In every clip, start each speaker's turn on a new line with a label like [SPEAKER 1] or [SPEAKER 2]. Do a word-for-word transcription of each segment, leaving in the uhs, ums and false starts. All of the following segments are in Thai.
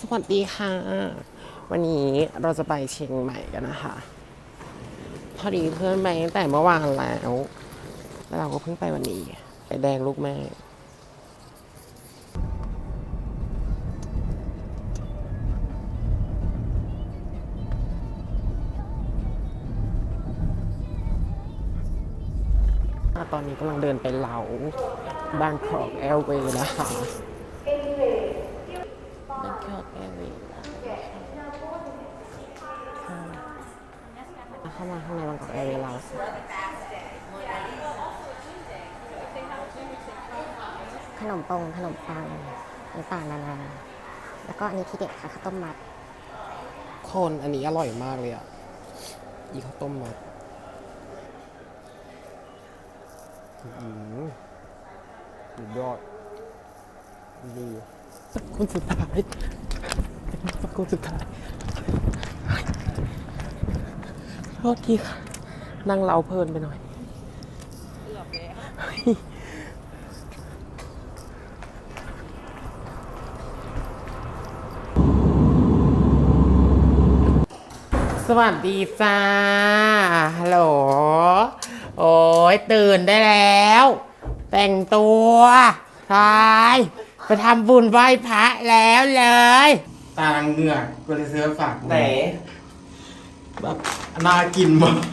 [SPEAKER 1] สวัสดีค่ะ วันนี้เราจะไปเชียงใหม่กันนะคะ พอดีเพื่อนไปตั้งแต่เมื่อวานแล้ว แล้วเราก็เพิ่งไปวันนี้ ไปแดงลูกแม่ตอนนี้กำลังเดินไปเหลาบางกอกแอร์เวย์นะคะบางกอกแอร์เวย์เข้ามาข้างในบางกอกแอร์เวย์เรา
[SPEAKER 2] ขนมปงขนมปังต่างๆนานาแล้วก็อันนี้ที่เด็ดค่ะข้าวต้มมัด
[SPEAKER 1] คนอันนี้อร่อยมากเลยอ่ะอีข้าวต้มมัดอืมสุดยอดดีคนสุดท้ายคนสุดท้ายโทษทีค่ะนั่งเล้าเพลินไปหน่อยสวัสดีจ้าฮัลโหลโอ้ยตื่นได้แล้ว แต่งตัวทายไปทำบุญไหว้พระแล้วเลยตาเหงือกกูจะซื้อฝากไหนแบบน่ากินมาก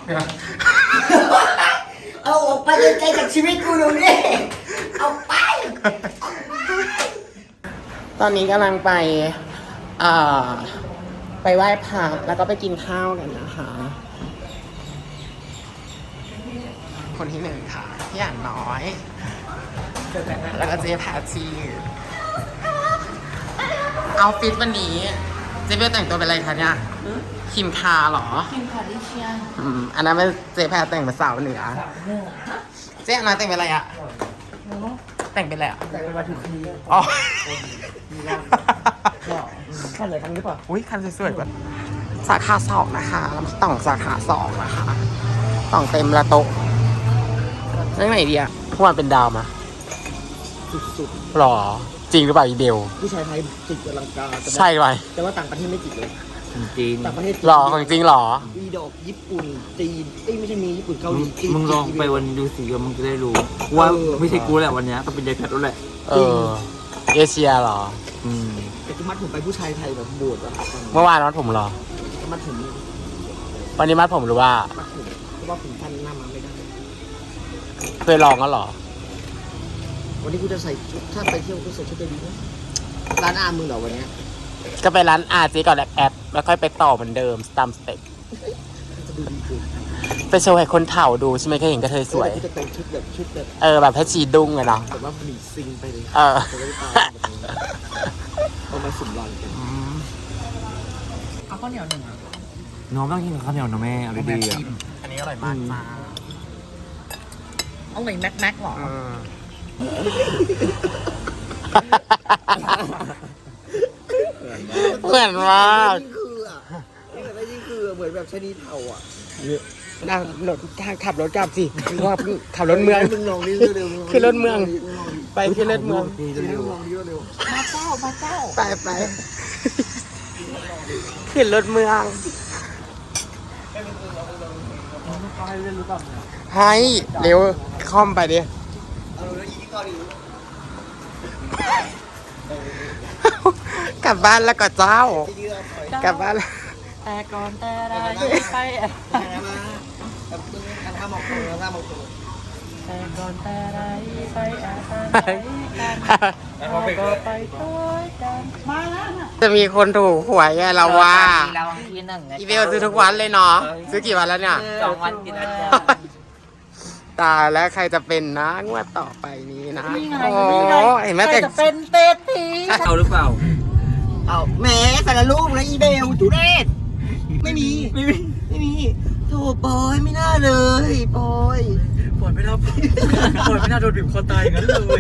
[SPEAKER 3] เอาออกไปไกลๆจากชีวิตกูดูนี่เอาไป
[SPEAKER 1] ตอนนี้กำลังไปอ่าไปไหว้พระแล้วก็ไปกินข้าวกันนะคะ คนที่หนึ่งค่ะพี่อ่านน้อย แล้วก็เจ๊แพทชีเอาฟิตวันนี้เจ๊เบลแต่งตัวเป็นอะไรคะเนี่ยคิมคาเหรอคิมคาดิเชียนอืมอันนั้นเป็นเจ๊แพทแต่งเป็นสาวเหนือเจ๊อันนั้นแต่งเป็นอะไรอ่ะแต่งเป็นอะไรอ่ะแต่งเป็นมาถึงคีอ๋อคันเลยคันหรือเปล่าอุ้ยคันสวยๆกว่าสาขาสองนะคะแล้วต่องสาขาสองนะคะต่องเต็มละโต๊ะเรื่องไหนดีอ่ะพวกมันเป็นดาวมา
[SPEAKER 3] สุด
[SPEAKER 1] หรอจริงหรือเปล่าอีเบล
[SPEAKER 3] ๆผู้ชายไทยจิกอลังการ
[SPEAKER 1] ใช่ไหม
[SPEAKER 3] แต่ว่าต่างประเทศไม่จิกเลย
[SPEAKER 4] จริง
[SPEAKER 3] ต่างประเทศ
[SPEAKER 1] หรอของจริงหรอ
[SPEAKER 3] อีดอกญี่ปุ่นจีนเอ้ยไม่ใช่มีญี่ปุ่นเกาหลีจีน
[SPEAKER 4] มึงลองไปวันดูสิมึงจะได้รู้ว่าไม่ใช่กูแหละวันนี้ต้องเป็นยายแพทย์แล้วแหละ
[SPEAKER 1] เออเอเชียหรอ
[SPEAKER 4] อืม
[SPEAKER 3] แต่ที่มัดผมไปผู้ชายไทยแบบโบดอะ
[SPEAKER 1] เมื่อวานมัดผมหรอ
[SPEAKER 3] มัดผม
[SPEAKER 1] วันนี้มัดผมหรือว่า
[SPEAKER 3] มัดผมเพราะว่าผมทันหน้ามาไม่ได้
[SPEAKER 1] เคยลองแล้วหรอ
[SPEAKER 3] วันนี้กูจะใส่ชุดถ้าไปเที่ยวกูใส่ชุดจะดีนะร้านอามึงเหรอวันนี้
[SPEAKER 1] ก็ไปร้านอาจีก่อนแอปแอปแล้วค่อยไปต่อเหมือนเดิมตามสเต็ป
[SPEAKER 3] จะดูดีขึ้น
[SPEAKER 1] ไปโชว์ให้คนเฒ่าดูใช่ไหมเคยเห็นกระเทยสวย
[SPEAKER 3] จะแต่งชุดแบบชุดแบบ
[SPEAKER 1] เออแบบให้ชีดุ้งเลยเนาะ
[SPEAKER 3] แบบว่าผลิตซิงไปเลย
[SPEAKER 1] เออ
[SPEAKER 3] เอามาสุ่มรันกัน
[SPEAKER 1] เอาข้าวเหนียวหนึ่งอ่ะ
[SPEAKER 4] น้องต้องกินข้าวเหนียวนะแม่เอาดีๆอ่ะ
[SPEAKER 1] อันนี้อร่อยมากจ้า
[SPEAKER 3] เอาไหนแม็กแม็กหรอ
[SPEAKER 1] เหมือนมาก
[SPEAKER 3] นี่คืออ่ะนี่คือเหมือนแบบชนีเทาอ่ะ
[SPEAKER 1] นั่งรถขับรถกลับสิว่าขับรถเมือง
[SPEAKER 3] มึงลองนี่เร็วๆ
[SPEAKER 1] ขึ้นรถเมืองไปขึ้นรถเมือง
[SPEAKER 3] ลองนี่เร็วมาเก้ามาเก้า
[SPEAKER 1] ไปไปขึ้นรถเมืองให้เร็วคอมไปดิกลับบ้านแล้วก็เจ้ากลับบ้าน
[SPEAKER 2] แต่ก่อนแต่ไรไป
[SPEAKER 3] ทำมองตัวทำมองตัว
[SPEAKER 2] แต่ก่อนแต่ไรไปอะไรกันก็ไปด้วยกันมาแล้วนะ
[SPEAKER 1] จะมีคนถูกหวยไงเราว่า
[SPEAKER 2] เราที่หนึ่ง
[SPEAKER 1] อีเบลซื้อทุกวันเลยเนาะซื้อกี่วันแล้วเนี่ย
[SPEAKER 2] สองวันกินอาจารย์
[SPEAKER 1] ตายแล้วใครจะเป็นนะงวดต่อไปนี้นะโอ้เห็นไหมแต่
[SPEAKER 2] จะเป็นเตตี
[SPEAKER 4] เอาหรือเปล่า
[SPEAKER 3] เอาแหมสารรูปนะอีเบลทุเรศไม่มีไม่มีไม่มีโธ่ปอยไม่น่าเลยปอย
[SPEAKER 4] ปล่อยไม่น่าปล่อยไม่น่าโดนบีบคอตายงั้นเลย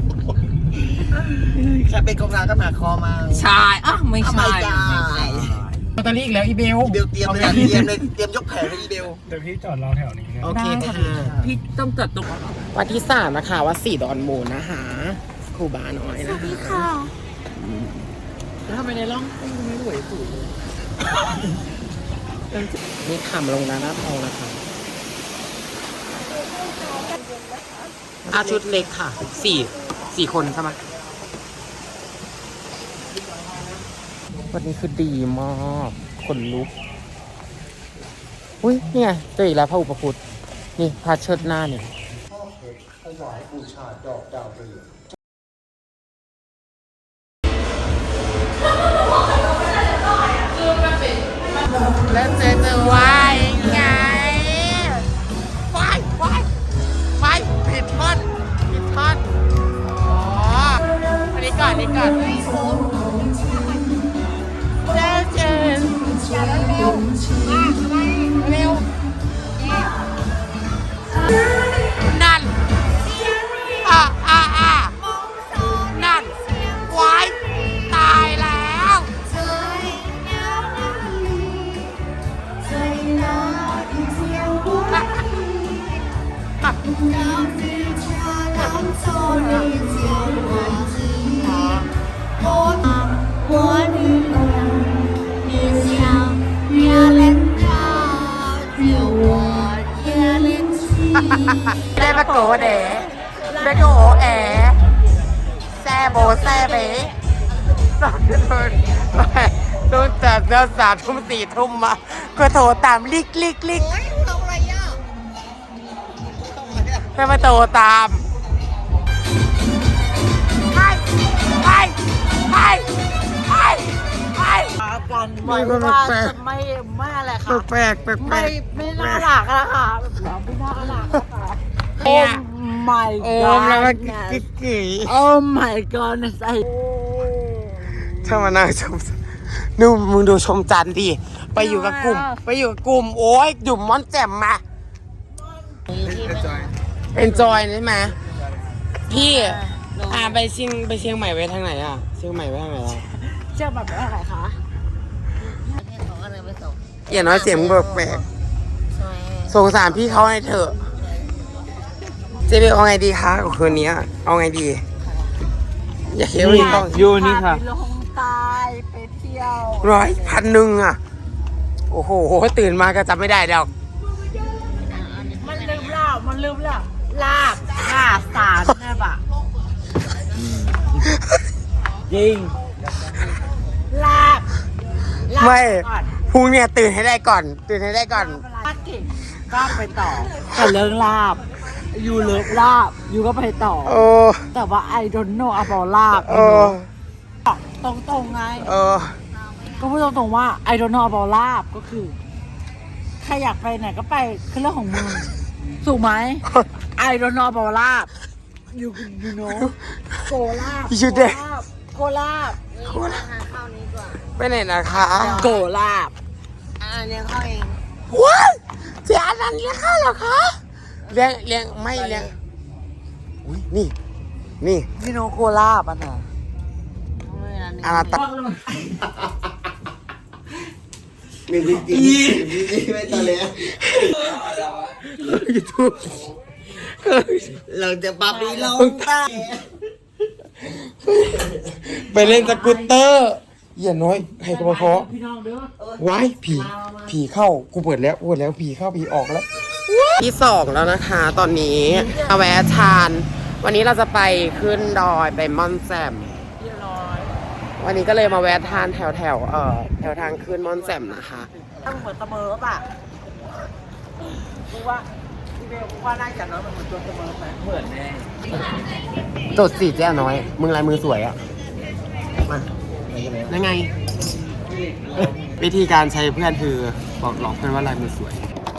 [SPEAKER 3] แค่เป็นกองงานก็หนาคอมา
[SPEAKER 2] ใช่อ่ะไม่ใช่
[SPEAKER 1] ลอตเตอรี่อีกแล้วอีเบล
[SPEAKER 3] อีเบลเตรียมเลยเตรียมเลยเตรียมยกแผงเลยอีเบล
[SPEAKER 4] เดี๋ยวพี่จอดรอแถวนี้
[SPEAKER 1] โอเคค่ะ
[SPEAKER 2] พี่ต้องจัดตรง
[SPEAKER 1] วันที่สามนะคะวัดสี่ดอนมูลนะคะครูบาน้อยนะคะ
[SPEAKER 2] แล้วทำไมในร่องกุ้งไม่รวยสุดเลย
[SPEAKER 1] นี่ขำลงนะหน้าทองนะคะอาชุดเล็กค่ะสี่สี่คนใช่ไหมวันนี้คือดีมากคนลุกอุ้ยนี่ไงเจออีกแล้วพระอุปคุตนี่พระเชิดหน้าเนี่ยแล้วเจอเจอวายไงวายวายวายผิดท่อนผิดท่อนอ๋ออันนี้ก่อนอันนี้ก่อนเจอเจออย่าเร็วมาเร็วนั่นอ่ะอ่ะอ่ะนั่นวายตายแล้วได้มาโกเด๋ได้โกแอแซ่โบแซ่เบ๋โดนโดนจับเดือนสามทุ่มสี่ทุ่มมาก็โทรตามลิกลิกลิกให้มาโทรตามไปไปไปไปไป
[SPEAKER 2] กันไว้ว่าจะไม่ไม่อะไรค่ะ
[SPEAKER 1] แปลกแปลกแปล
[SPEAKER 2] ไม่
[SPEAKER 1] ก
[SPEAKER 2] ไม่น่ารักอะค่ะแบบไม่น่ารักอะค่ะโอ้ my
[SPEAKER 1] โอ้
[SPEAKER 2] god
[SPEAKER 1] แล้วมันกิ๊กกิ๊ก
[SPEAKER 2] โอ้ my god ไอ้
[SPEAKER 1] ถ้ามานั่งชมนู่นมึงดูชมจันทร์ดิ ไปอยู่กับกลุ่ม ไปอยู่กับกลุ่ม โอ้ยหยุ่มม่อนแจ่มมา enjoy ใช่ไหมพี่อ่าไปเชียงไปเชียงใหม่ไว้ทางไหนอ่ะ เชียงใหม่ไว้ทางไหนอ่ะ
[SPEAKER 2] เชื่อแบบอะไรคะ
[SPEAKER 1] อย่าน้อยเสียงแปลกๆสงสารพี่เขาให้เถอะ เจ๊เบลเอาไงดีคะกับคืนนี้เอาไงดี อย่าเคี้ยวอีกต้อง
[SPEAKER 4] อยู่นี่ค่ะ
[SPEAKER 2] ไปลงใตายไปเที่ยว
[SPEAKER 1] ร้อยพันหนึ่งอ่ะ โอ้โห ตื่นมาก็จำไม่ได้ดอก
[SPEAKER 2] มันลืมเล่ามันลืมเล่าลาบลาบสารแม่บะ
[SPEAKER 4] จริง
[SPEAKER 2] ลาบลาบ
[SPEAKER 1] ไม่
[SPEAKER 2] ก่อน
[SPEAKER 1] พรุ่งเนี่ยตื่นให้ได้ก่อน ตื่นให้ได้ก่อน
[SPEAKER 2] ลาบเก่งก็ไปต่อแต่เรื่องลาบอยู่เลิฟลาบอยู่ก็ไปต่อ
[SPEAKER 1] โอ้
[SPEAKER 2] แต่ว่า I don't know about ลาบ
[SPEAKER 1] เออ
[SPEAKER 2] ตรงตรงๆไง
[SPEAKER 1] เออ
[SPEAKER 2] ก็พูดตรงๆว่า I don't know about ลาบก็คือใครอยากไปไหนก็ไปคือเรื่องของมึงถูกไหม I don't know about ลาบ you you know โกลาบ
[SPEAKER 1] You there
[SPEAKER 2] โกลาบ
[SPEAKER 1] ไปไหนนะคะ
[SPEAKER 2] โกลาบ
[SPEAKER 1] ว้ายเจ๊อันนั้นเลี้ยงข้าวเหรอคะเลี้ยงเลี้ยงไม่เลี้ยงอุ้ยนี่ นี่
[SPEAKER 2] you know โกลาบอ่ะนะ
[SPEAKER 1] อาราตะ
[SPEAKER 3] มีจริงจริงไม่ตอนเลย
[SPEAKER 1] ยูทูบ
[SPEAKER 3] เราจะปรับดีลงใต้
[SPEAKER 1] ไปเล่นสกูตเตอร์อย่าน้อยให้กระเพาะ
[SPEAKER 2] พี่น้องเด้อ
[SPEAKER 1] ว้ายผีผีเข้ากูเปิดแล้วกูเปิดแล้วผีเข้าผีออกแล้วที่สองแล้วนะคะ ตอนนี้มาแวะทาน วันนี้เราจะไปขึ้นดอยไปม่อนแจ่ม
[SPEAKER 2] เรียบร้อย
[SPEAKER 1] วันนี้ก็เลยมาแวะทานแถวแถวๆเอ่อแถวทางขึ้นม่อนแจ่มนะคะ
[SPEAKER 2] ถ้าเหมือนเสมอป่ะกูว่าพี่เบลกูว่าน่าจะน้อยมันเหมือนตัวเสมอไหม
[SPEAKER 4] เหมือนแน่
[SPEAKER 1] จดสิเจ๊น้อย มึงลายมือสวยอ่ะ มายังไง วิธีการใช้เพื่อนคือบอกหลอกเพื่อนว่าลายมือสวย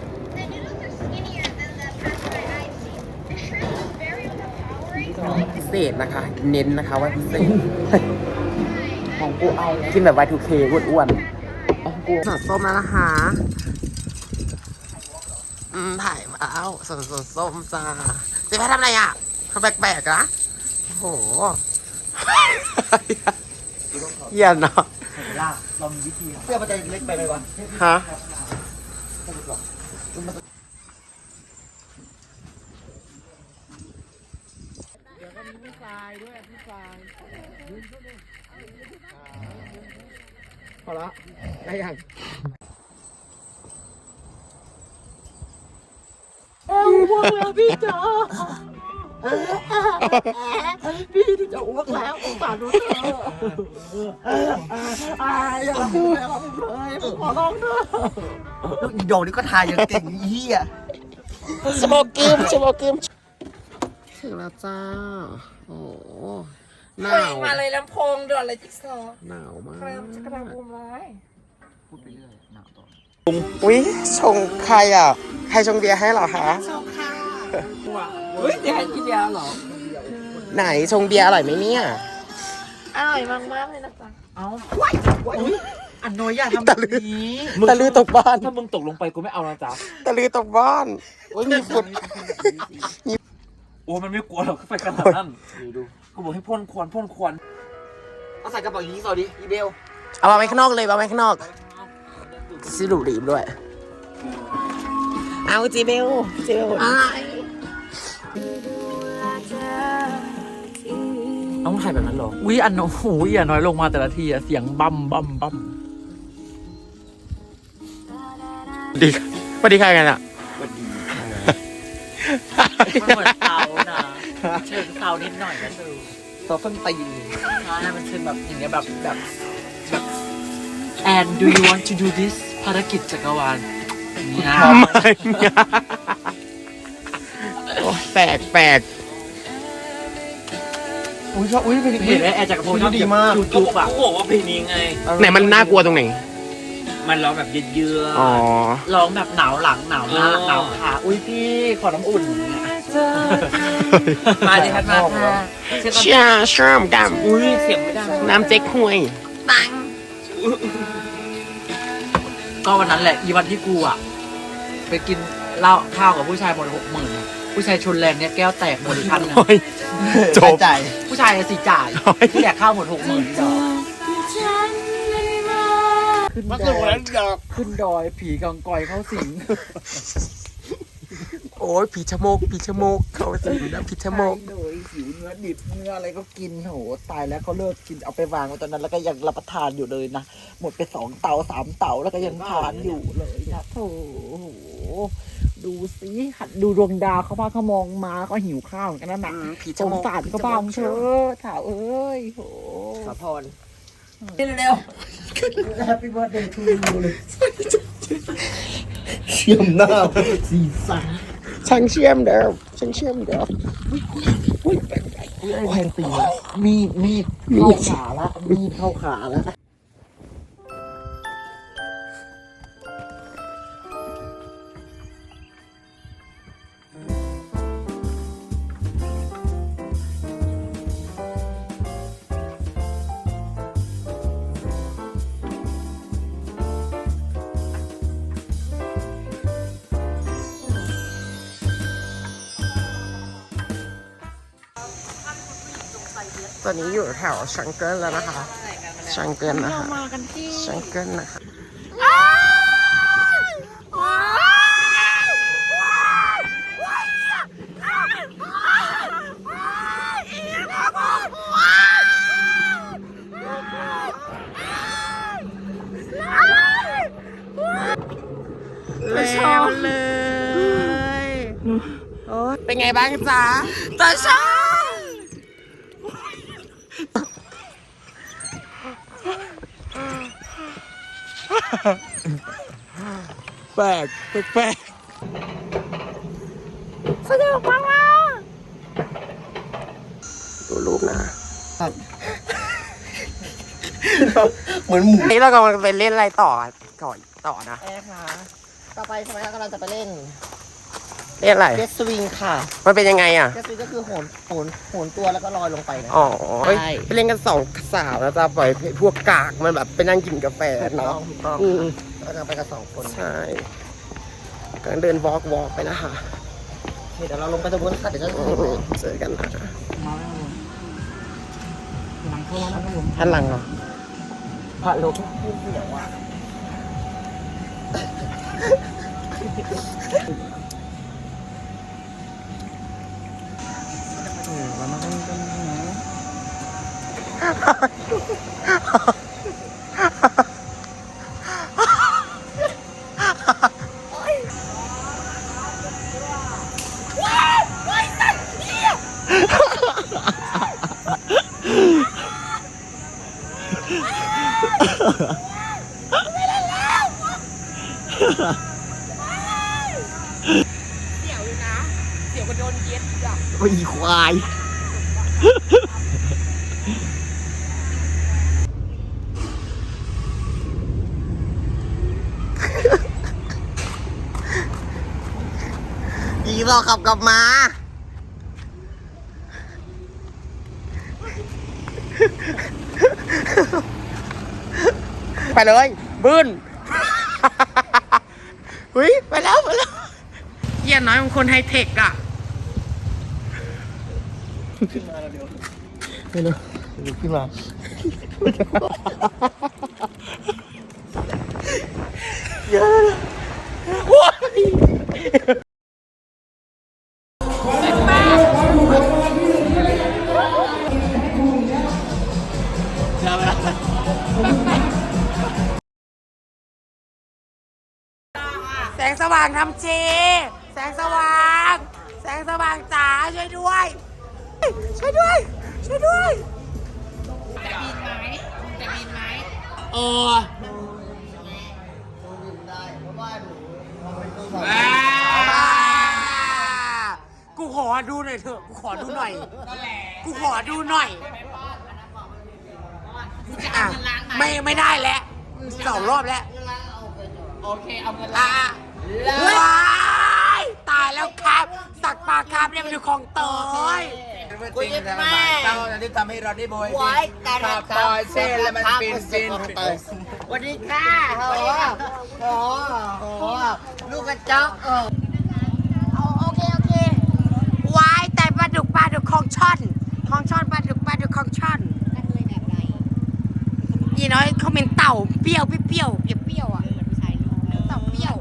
[SPEAKER 1] พิเศษนะคะ เน้นนะคะว่าพิเศษ ของกูเอากินแบบ วาย ทู เค อ้วนๆของกูสดส้มแล้วนะคะ อืมถ่ายมาเอาสดสดส้มจ้าเจ๊แพททำอะไรอ่ะทำแปลกๆนะโอ้โห เหี้ยเนาะ
[SPEAKER 2] ลาเรามีวิธี
[SPEAKER 3] เสื้อมันจะเล็กไปไหมวะ
[SPEAKER 1] ฮะ
[SPEAKER 2] เดี๋ยวก็มีผู้ชายด้วยผู้ชายอละได้ยังเอ้าอ้วกแล้วพี่จ๋าพี่ที่จะอ้วกแล้วสงสารหนูเถอะอายอย่าทำผมเลยผมเลยผมขอร้องเถอะ
[SPEAKER 3] ลูกอีโดนี่ก็ทายอย่างเก่งอีเหี้ย
[SPEAKER 1] สโมกิมสโมกิมถึงแล้วจ้า โอ้หนาว
[SPEAKER 2] มาเลยลำโพงด่วนเลยจิ๊กซอว์
[SPEAKER 1] หนาวมาก
[SPEAKER 2] กระจะกระบุมร้าย
[SPEAKER 4] พูดไปเรื่อยหนาวต่อ
[SPEAKER 1] อุ้ยชงใครอ่ะ ใครชงเบียร์ให้เหรอคะ
[SPEAKER 4] เฮ้ยเดี๋ยวให้กินยาเหรอ
[SPEAKER 1] ไหนชงเบียร์อร่อยไหมเนี่ย
[SPEAKER 2] อร่อยมากมากเลยนะจ๊ะ
[SPEAKER 4] เอ้าอุ้ยอันน้อยอย่าทำแบบนี้
[SPEAKER 1] ตะลือตกบ้าน
[SPEAKER 4] ถ้ามึงตกลงไปกูไม่เอานะจ๊ะ
[SPEAKER 1] ตะลือตกบ้านโอ้ยมีฝุ่น
[SPEAKER 4] โอ้มันไม่กลัวหรอกไฟขนาดนั้นดูกูบอกให้พ่นควันพ่นควัน
[SPEAKER 3] เอาใส่กระเป๋าอย่างนี้สวัสดีอีเบล
[SPEAKER 1] เอามาไว้ข้างนอกเลยเอาไว้ข้างนอกซิลูรีบด้วย เอาจีเบลจีเบล
[SPEAKER 4] ต้องถ่ายแบบนั้นหรออุ้ยอันโอ้โหอย่าน้อยลงมาแต่ละทีอะเสียงบัมบัมบัม
[SPEAKER 1] ดีสวัสดีใครกันอ่ะ
[SPEAKER 4] มันเหมือนเตานะเชิงเตานิดหน่อยนะเธอ
[SPEAKER 3] ตัวส้นตีน
[SPEAKER 4] ใช่มันเชิงแบบอย่างเงี้ยแบบแบบแบบ and do you want to do this ภารกิจจักรวาลนี่นะ
[SPEAKER 1] ไม่โอ้แปลกแปลก
[SPEAKER 3] อุ้ยชอบอุ้ยเป็น
[SPEAKER 4] เห็นไหมแอร์จักรพงศ์ชอบ
[SPEAKER 3] ดีมาก
[SPEAKER 4] จูจูบอะกูบอกว่าเพลงนี้ไง
[SPEAKER 1] ไหนมันน่ากลัวตรงไหน
[SPEAKER 4] มันร้องแบบเยือ
[SPEAKER 1] อ๋อ
[SPEAKER 4] ๆร้องแบบหนาวหลังหนาวหน้าหนาวขาอุ้ยพี่ขอน้ำอุ่นมาดิครับมาค่ะ
[SPEAKER 1] เชี่ยชอบด
[SPEAKER 4] อุ้ยเสียงไม่ได้
[SPEAKER 1] ำน้ำเจ๊กฮวย
[SPEAKER 4] ก็วันนั้นแหละอีวันที่กูอ่ะไปกินเหล้าข้าวกับผู้ชายหมดหกหมื่นผู้ชายชนแรงเนี่ยแก้วแตกหมดอีกคันนึง
[SPEAKER 1] โอ้ยจบ
[SPEAKER 3] ใจ
[SPEAKER 4] ผู้ชายอะสิจ่าย
[SPEAKER 1] โอ้ย
[SPEAKER 4] ที่แดกข้าวหมดหกหมื่นดอก
[SPEAKER 2] ขึ้น
[SPEAKER 1] มัน
[SPEAKER 2] ด
[SPEAKER 1] คือ
[SPEAKER 2] อ
[SPEAKER 1] วัน
[SPEAKER 2] ย
[SPEAKER 1] นั้นดอก
[SPEAKER 2] ขึ้นดอยผีกังกอยเข้าสิง
[SPEAKER 1] โอ้ยผีชะโมกผีชะโมกเขาสิงนะผีชะโมก
[SPEAKER 2] โดยหิวเนื้อดิบเนื้ออะไรก็กินโหตายแล้วเขาเลิกกินเอาไปวางไว้ตอนนั้นแล้วก็ยังรับประทานอยู่เลยนะหมดไปสองเตาสามเตาแล้วก็ยังทานอยู่เลยนะโถโอ้โหดูสิหัดดูดวงดาวเขาพาเขามองมาก็หิวข้าวเหมือนกันนะหนัก
[SPEAKER 1] ผี
[SPEAKER 2] ส
[SPEAKER 1] ชะ
[SPEAKER 2] ง
[SPEAKER 1] โมก
[SPEAKER 2] สารก็บ้างเถอะถาวเอ้ยโห
[SPEAKER 3] สาพร
[SPEAKER 2] เร็วๆ Happy birthday to you เลย
[SPEAKER 3] เชื่อมหน้าสีสัน
[SPEAKER 1] ช่างเชื่อมเดิมช่างเชื่อมเดิม
[SPEAKER 2] อุ้ยไอ้แทงตีมีดมีดเข้าขาละมีดเข้าขาละ
[SPEAKER 1] ตอนนี้อยู่แถวชังเกิลแล้วนะคะชังเกิลนะคะ
[SPEAKER 2] มากันที่
[SPEAKER 1] ชังเกิลนะคะ แล้วเลยโอ้เป็นไงบ้างจ๊ะตาชาแปลกแปลกสนุกมากว่าดูรูปนะ
[SPEAKER 3] เหมือนหมู
[SPEAKER 1] นี่เรากำลังไปเล่นอะไรต่อก่อนต่อนะ
[SPEAKER 3] แอร์ค่ะต่อไปใช่ไหมคะกำลังจะไปเล่น
[SPEAKER 1] เล่นอะไร
[SPEAKER 3] เจสวิงค่ะ
[SPEAKER 1] มันเป็นยังไงอ่ะ
[SPEAKER 3] เจสวิงก็คือโหนโหนโหนตัวแล้วก็ลอยลงไปนะ
[SPEAKER 1] อ๋อเฮ้ย
[SPEAKER 3] ใช่
[SPEAKER 1] ไปเล่นกันสองสาวแล้วจะปล่อยให้พวกกากมันแบบไปนั่งกินกาแฟ
[SPEAKER 3] ถูกต้
[SPEAKER 1] เนาะ
[SPEAKER 3] องถูกต้อง
[SPEAKER 1] อืม
[SPEAKER 3] เราจะไปกันสองคน
[SPEAKER 1] ใช่กำลังเดินวอล์กวอล์กไปนะคะ
[SPEAKER 3] เดี๋ยวเราลงไปตรงนู้นค่ะเดี๋ยวจะ
[SPEAKER 1] อืมเจอกันนะ
[SPEAKER 2] หลังเข้าร้านขนม
[SPEAKER 1] ท่านหลังเหรอ
[SPEAKER 3] พระโลกพูดเดี๋ยวว่า
[SPEAKER 2] เรามากันกันนะ
[SPEAKER 1] เสียวอยู่นะเสียวกว่าโดนเย็ดอ่ะ
[SPEAKER 3] โอ้ยควายอีรอขับกลับมา
[SPEAKER 1] ไปเลยบึ้น หุ้ยไปแล้วไปแล้วเยี่ยน้อยมันคนไฮเทคอ่ะ
[SPEAKER 3] ไม่รู้ลุกขึ้นมา
[SPEAKER 1] ว้าย แสงสว่างทำเจ แสงสว่าง แสงสว่างจ๋าช่วยด้วย ช่วยด้วย ช่วยด้วย จะบินไหมจะบินไหมเออกูขอดูหน่อยเถอะ กูขอดูหน่อย กูขอดูหน่อยอ่ะไม่ไม่ได้แล้วสองรอบแล้ว
[SPEAKER 4] โอเค เอาเงิน
[SPEAKER 1] อ่ะว้ายตายแล้วครับ สักปากครับเนี่ยมันอยู่ของเตย
[SPEAKER 3] กูยึดแม่
[SPEAKER 4] เจ้าที่ทำให้เราได้โบย
[SPEAKER 3] ไว้แต่
[SPEAKER 4] ขับต่อยเส้นแล้วมันฟินฟิน
[SPEAKER 3] สวัสดีค่ะโอ้โหโอ้โหลูกกระจอกเออ
[SPEAKER 1] โอเคโอเควายแต่ปลาดุกปลาดุกของช่อนของช่อนปลาดุกปลาดุกของช่อนยี่น้อยเขาเป็นเต่าเปรี้ยวเปรี้ยวเปรี้ยวเปรี้ยวอ่ะเต่าเปรี้ยว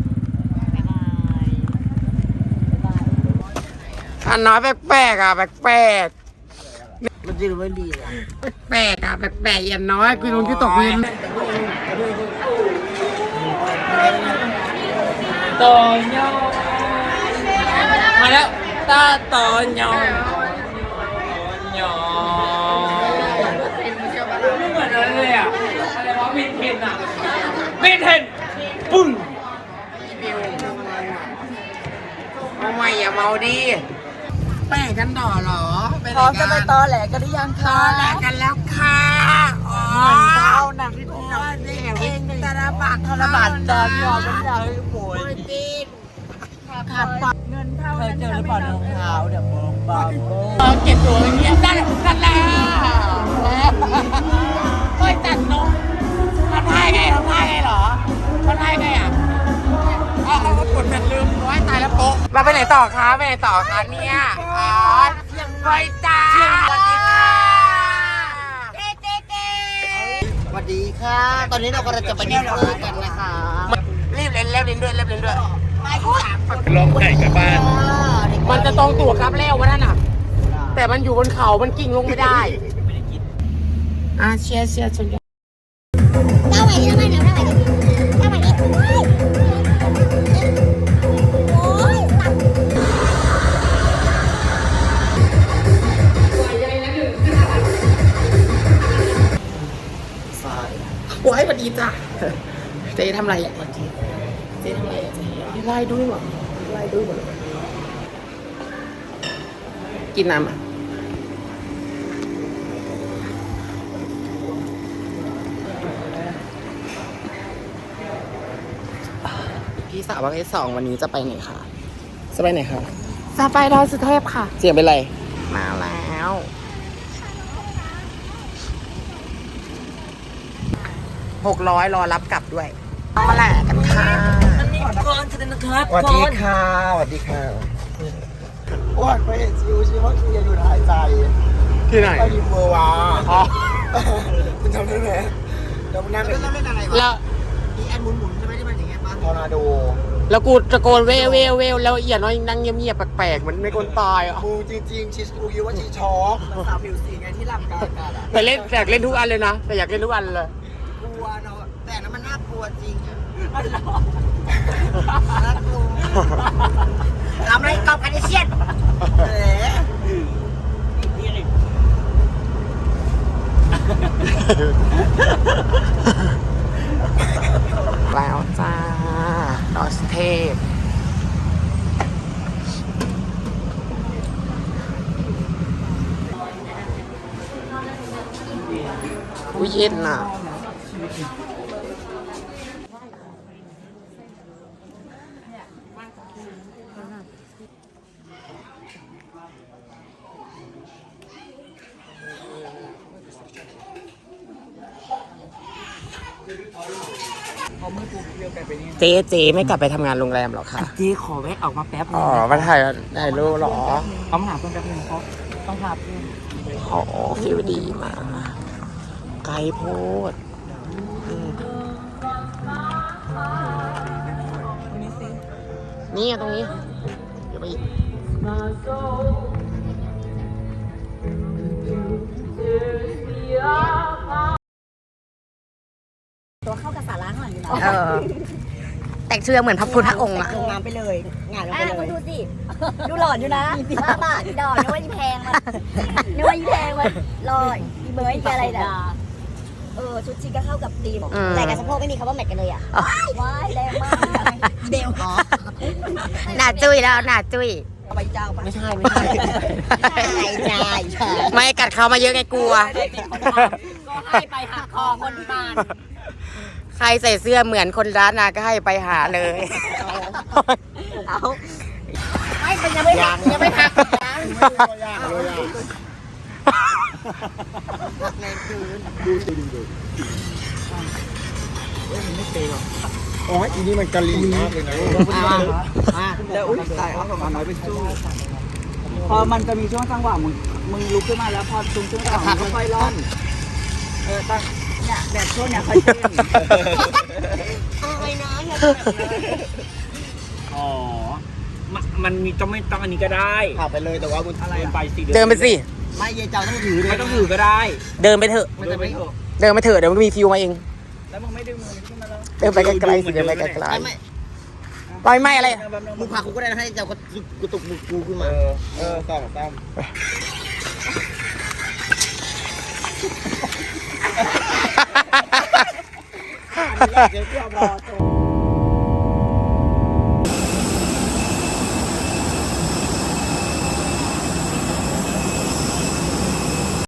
[SPEAKER 1] อันน้อยแปลกๆอ่ะแปลก
[SPEAKER 3] มันดีหรือไม่ดีอ่ะ
[SPEAKER 1] ๆแปลกอ่ะแปลกๆอย่างน้อยกูลงที่ตกเวร
[SPEAKER 4] ต่อยอมาแล้วตาต่อยอ หยอไม่เหมือนอะไรเลยอ่ะอะไรวะมินเทนอ่ะมินเทนปุ้ง
[SPEAKER 1] เอาใหม่อย่าเมาดิแป้งกันต่อเหรอ
[SPEAKER 2] พร้อมจะไปตอแหลกันหรือยัง
[SPEAKER 1] ต
[SPEAKER 2] คะ
[SPEAKER 1] อแหลกันแล้วค่ะอ๋อ
[SPEAKER 2] เอาหนังที่หนัง
[SPEAKER 1] เด็กเองธนบัตร
[SPEAKER 2] ธนบัตรจอดยอมไม่ได้โวย
[SPEAKER 1] ปีน
[SPEAKER 2] ขาดปัดเงินเท่าเคยเจอหรือเปล่าเนื้อขาวเดี๋ยวมองบาโบ
[SPEAKER 1] เออเก็บตัวอย่างเงี้ยนั่นนั่นแหละเฮ้ยจัดนมทำท่าไงทำท่าไงเหรอทำท่าไงอ่ะอ๋อเขากดเป็นลืมร้อยตายแล้วโป๊ะเราไปไหนต่อคะไปไหนต่อคะเนี่ยอ๋อไปจ้าสวัสดีค่ะเต้เต้เต้
[SPEAKER 3] สวัสดีค่ะ ตอนนี้เรากำลังจะไปดินเนอร์กันนะคะ
[SPEAKER 1] รีบเล่นเล่นเล่นด้วยเล่นเล่นด้วย
[SPEAKER 4] ลองไก่กับบ้าน
[SPEAKER 1] มันจะตรงตัวครับแล้ววะนั่นน่ะ แต่มันอยู่บนเขามันกิ่งลงไม่ได้อ่ะเชียร์เชียร์ชนกัน
[SPEAKER 5] เอาใหม่ดิเอาใหม่ดิเอาใหม่ดิเอาใหม่ดิโอ้ยตัด
[SPEAKER 1] โอ้ยสวัสดีจ้ะเจ๊ทำอะไรอ่ะเจ๊เจ๊ทำอะไรอ่ะเจ๊ไล่ด้วยหรอไล่ด้วยหมดเลยกินน้ำอ่ะพี่สาวประเภทสองวันนี้จะไปไหนคะจะไปไหนคะ
[SPEAKER 2] จะไปดอยสุเทพค่ะ
[SPEAKER 1] เสียงเป็นไร มาแล้วหกร้อยรอรับกลับด้วยมาแหละกันค่ะ
[SPEAKER 2] ก่อนจะนะครับ
[SPEAKER 3] สวัสดีค่ะสวัสดีค่ะอ้วนไปเห็นซิวชิว่าเคียอยู่หายใจ
[SPEAKER 1] ที่ไหน
[SPEAKER 3] ไปดิมเบอร์วา
[SPEAKER 1] อ๋อ
[SPEAKER 3] คุณจำได้ไหมเรานั่งเล่นเล่นอะไรวะ
[SPEAKER 1] แล้ว
[SPEAKER 3] อีแอนหมุนหมุนใช่ไหมที่มันอย่างเงี้ยปะทอร์นาโด
[SPEAKER 1] แล้วกูตะโกนเววเววเววแล้วเอียน้อยนั่งเงียบๆแปลกๆเหมือนไม่คนตายอ่ะ
[SPEAKER 3] กูจริงๆชีสกูคิดว่าชีช็อกสาวผิวสีไงที่หลับกลางอากาศอะ
[SPEAKER 1] แต่เล่นอยากเล่นทุกอันเลยนะ แต่อยากเล่นทุกอันเลย
[SPEAKER 3] กลัวเนาะแต่นั้นมันน่ากลัวจริงอะน่ากลัวทำอะไรกอบกันไอเชียนเอ๋
[SPEAKER 1] แล้วจ้าดอสเทพอุ้ยเย็นน่ะเจ๊เจ๊ไม่กลับไปทำงานโรงแรมหรอคะ
[SPEAKER 2] เจ๊ขอแวะออกมาแป๊บนึ
[SPEAKER 1] อ๋
[SPEAKER 2] ง
[SPEAKER 1] อมาถ่ายถ่ายรูปเหรอ
[SPEAKER 2] ต้องหาเพื่อนแป๊บนึงเพราะต้องหาเพื่อน
[SPEAKER 1] อ๋อฟิวดีมากไกลโพดอืมนี่ตรงนี้เดี๋ยวไปอีก
[SPEAKER 5] ตัวเข้ากับสาระข้างหลังอยู่แล้ว
[SPEAKER 6] เออ แต่งเชื่อเหมือนพระพุทธองค์อะ
[SPEAKER 3] ลงน้ำไปเลยงานลง
[SPEAKER 5] อ่ะ
[SPEAKER 3] ไปเล
[SPEAKER 5] คุณ
[SPEAKER 3] ย
[SPEAKER 5] ดูสิ ดูหล่อนอยู่นะบ้าบ้าอีดอกนึกว่าอีแพงมันนึกว่าอีแพงมันลอยอีเบย์อีอะไรน่ะเออชุดชีก็เข้ากับธีม
[SPEAKER 1] อืม
[SPEAKER 5] แต่กับสะโพกไม่มีคำว่าแมทกันเลยอ่ะว้ายแรงมากเดวอ๋อ
[SPEAKER 6] หน้าจุ้ยแล้วหน้าจุ้ย
[SPEAKER 3] เอาไปเจ้าปะ
[SPEAKER 1] ไม่ใช่ไม่ใช่
[SPEAKER 5] ใช่ใช่ใช่
[SPEAKER 1] ไม่กัดเขามาเยอะไงกลัว
[SPEAKER 2] ก็ให้ไปหักคอคนที่บ้าน
[SPEAKER 1] ใครใส่เสื้อเหมือนคนร้านนาก็ให้ไปหาเลย
[SPEAKER 3] เอา
[SPEAKER 5] ไม่เป็นยังไม่หักยังไม่หักยัง
[SPEAKER 3] อ๋ออีนี่มันกะลีมากเลยนะมาแล้วอุ้ยตายเอาของมันน้อยไปสู้
[SPEAKER 2] พอมันจะมีช่วงจังหวะมึงมึงลุกขึ้นมาแล้วพอตรงช่วงจังหวะมึงค่อยๆร่อนเออตั้งเนี่ยแบบช่วงเนี้ยค่อยเต้น
[SPEAKER 5] อะไรนะอย่า
[SPEAKER 2] อ๋อมันมันมีต้องไม่ต้องอันนี้ก็ได้
[SPEAKER 3] ผ่าไปเลยแต่ว่ามันอะไร
[SPEAKER 2] เดินไปสิ
[SPEAKER 1] เดินไปสิ
[SPEAKER 3] ไม่เยเจ้าต้องถือ
[SPEAKER 2] ไม่ต้องถือก็ได้
[SPEAKER 1] เดินไปเถอะ
[SPEAKER 2] มันจะไม่เถอะ
[SPEAKER 1] เดินไปเถอะเดี๋ยวมันมีฟิวมาเอง
[SPEAKER 2] แล้วมึงไม่ดึงมือขึ้นมาแล้ว
[SPEAKER 1] เดินไปไกลๆสิเดินไปไกล
[SPEAKER 3] ไม่ไม่
[SPEAKER 1] ๆปล่อยไม่อะไร
[SPEAKER 3] มึงพากูก็ได้นะให้เจ้ากูตุกมือกูขึ้นมาเออสองสามเดี๋ยวกูเอาบอล